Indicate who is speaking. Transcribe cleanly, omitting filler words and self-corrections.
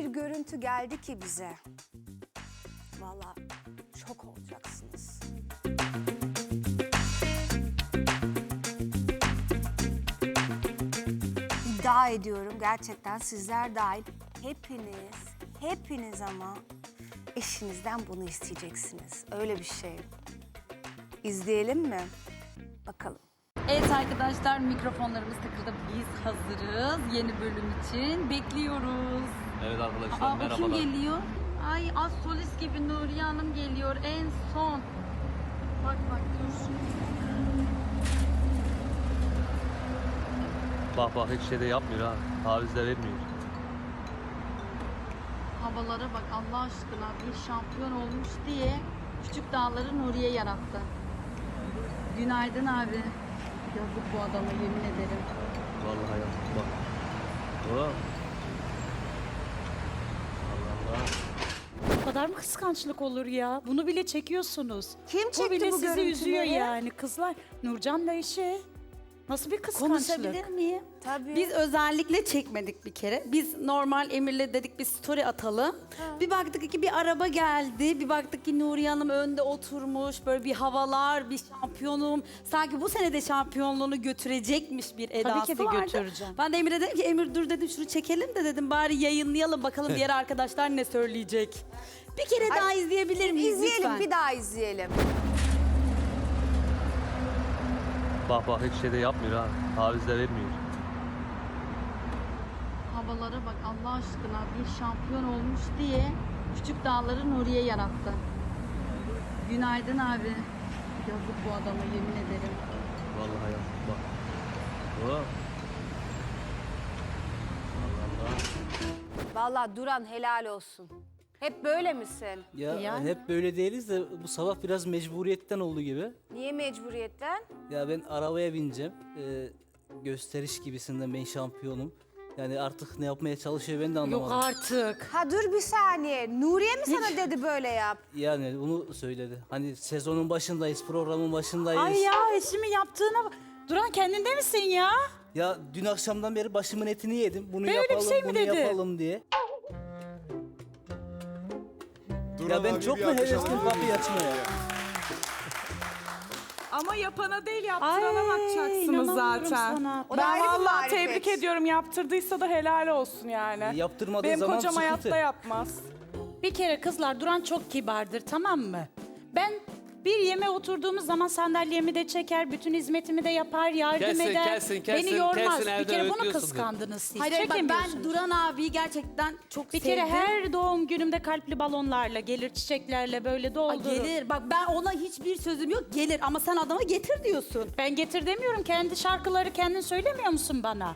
Speaker 1: görüntü geldi ki bize. Vallahi şok olacaksınız. İddia ediyorum gerçekten sizler dahil hepiniz ama eşinizden bunu isteyeceksiniz. Öyle bir şey. İzleyelim mi? Bakalım.
Speaker 2: Evet arkadaşlar, mikrofonlarımız takıldı. Biz hazırız yeni bölüm için. Bekliyoruz.
Speaker 3: Evet arkadaşlar,
Speaker 2: Aa, o kim
Speaker 3: merhabalar.
Speaker 2: geliyor? Ay, az solist gibi Nuriye Hanım geliyor en son. Bak dur.
Speaker 3: Bak hiç şey de yapmıyor ha. Taviz de vermiyor.
Speaker 2: Havalara bak Allah aşkına, bir şampiyon olmuş diye küçük dağları Nuriye yarattı. Günaydın abi. Yazık bu adama, yemin ederim.
Speaker 3: Vallahi yazık bak. Oh. Allah Allah.
Speaker 4: Bu kadar mı kıskançlık olur ya? Bunu bile çekiyorsunuz.
Speaker 1: Kim
Speaker 4: Bu
Speaker 1: çekti
Speaker 4: bile
Speaker 1: bu
Speaker 4: sizi
Speaker 1: görüntüleri?
Speaker 4: üzüyor yani kızlar. Nurcan'la eşi. Nasıl bir kıskançlık?
Speaker 2: Konuşabilir miyim?
Speaker 1: Tabii.
Speaker 2: Biz özellikle çekmedik bir kere. Biz normal Emir'le dedik bir story atalım. Bir baktık ki bir araba geldi. Bir baktık ki Nuriye Hanım önde oturmuş. Böyle bir havalar, bir şampiyonum. Sanki bu sene de şampiyonluğunu götürecekmiş bir edası
Speaker 4: ki de
Speaker 2: vardı.
Speaker 4: götüreceğim.
Speaker 2: Ben de Emir'e dedim ki Emir dur dedim şunu çekelim de dedim bari yayınlayalım bakalım diğer arkadaşlar ne söyleyecek. Bir kere daha izleyebilir miyiz
Speaker 1: İzleyelim,
Speaker 2: lütfen?
Speaker 1: bir daha izleyelim.
Speaker 3: Bak hiç şey de yapmıyor ha. Taviz de vermiyor.
Speaker 2: Havalara bak Allah aşkına, bir şampiyon olmuş diye küçük dağları Nuriye yarattı. Günaydın abi. Yazık bu adama, yemin ederim.
Speaker 3: Vallahi yazık bak. Oh. Allah Allah.
Speaker 1: Vallahi Duran helal olsun. Hep böyle misin?
Speaker 5: Ya
Speaker 4: Yani.
Speaker 5: hep böyle değiliz de bu sabah biraz mecburiyetten oldu gibi.
Speaker 1: Niye mecburiyetten?
Speaker 5: Ya ben arabaya bineceğim. Gösteriş gibisinden ben şampiyonum. Yani artık ne yapmaya çalışıyor ben de
Speaker 4: Yok
Speaker 5: anlamadım.
Speaker 4: artık.
Speaker 1: Ha dur bir saniye. Nuriye mi sana dedi böyle yap?
Speaker 5: Yani bunu söyledi. Hani sezonun başındayız, programın başındayız.
Speaker 4: Ay ya eşimin yaptığına bak. Duran kendinde misin ya?
Speaker 5: Ya dün akşamdan beri başımın etini yedim. Bunu
Speaker 4: Böyle bir
Speaker 5: yapalım,
Speaker 4: şey mi
Speaker 5: bunu
Speaker 4: dedi?
Speaker 5: yapalım diye.
Speaker 6: Duran
Speaker 5: Ya ben
Speaker 6: abi
Speaker 5: çok
Speaker 6: bir
Speaker 5: mu
Speaker 6: alkış
Speaker 5: hevesliyim
Speaker 6: alabilir
Speaker 5: kapıyı
Speaker 6: miyiz?
Speaker 5: açmaya?
Speaker 7: Ama yapana değil, yaptırana bakacaksınız
Speaker 4: inanamıyorum
Speaker 7: zaten.
Speaker 4: sana.
Speaker 1: O da
Speaker 7: Ben
Speaker 1: ayrı bir
Speaker 7: vallahi
Speaker 1: marifet.
Speaker 7: tebrik ediyorum. Yaptırdıysa da helal olsun yani.
Speaker 5: Yaptırmadığı
Speaker 7: Benim
Speaker 5: zaman
Speaker 7: kocam
Speaker 5: sıkıntı.
Speaker 7: hayatta yapmaz.
Speaker 4: Bir kere kızlar Duran çok kibardır, tamam mı? Ben bir yemeğe oturduğumuz zaman sandalyemi de çeker, bütün hizmetimi de yapar, yardım
Speaker 3: Kesin,
Speaker 4: eder.
Speaker 3: kesin,
Speaker 4: Beni yormaz.
Speaker 3: kesin
Speaker 4: Bir
Speaker 3: evde
Speaker 4: kere bunu
Speaker 3: öğütüyorsundur.
Speaker 4: kıskandınız siz.
Speaker 2: Hayır bak, ben
Speaker 4: Çekemiyorsunuz.
Speaker 2: Duran abiyi gerçekten çok
Speaker 4: Bir
Speaker 2: sevdim.
Speaker 4: kere her doğum günümde kalpli balonlarla gelir, çiçeklerle böyle
Speaker 2: Ay,
Speaker 4: doldurur.
Speaker 2: gelir. Bak ben ona hiçbir sözüm yok. Gelir ama sen adama getir diyorsun.
Speaker 4: Ben getir demiyorum. Kendi şarkıları kendin söylemiyor musun bana?